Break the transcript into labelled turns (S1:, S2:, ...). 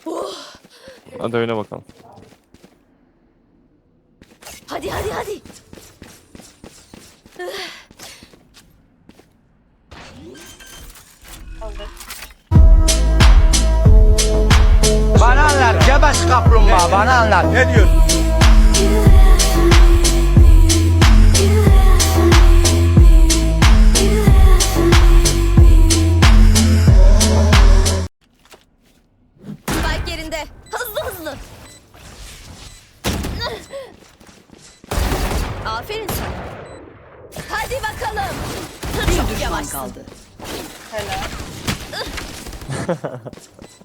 S1: Hadi öyle bakalım.
S2: Hadi hadi hadi.
S3: Bana anlat Cebes kaplumbağa, bana anlat. Ne diyorsun?
S2: Spike yerinde. Hızlı hızlı. Aferin sana. Hadi bakalım.
S4: Bir
S2: Çok
S4: düşman
S2: yavaşsın.
S4: kaldı.
S5: Helal.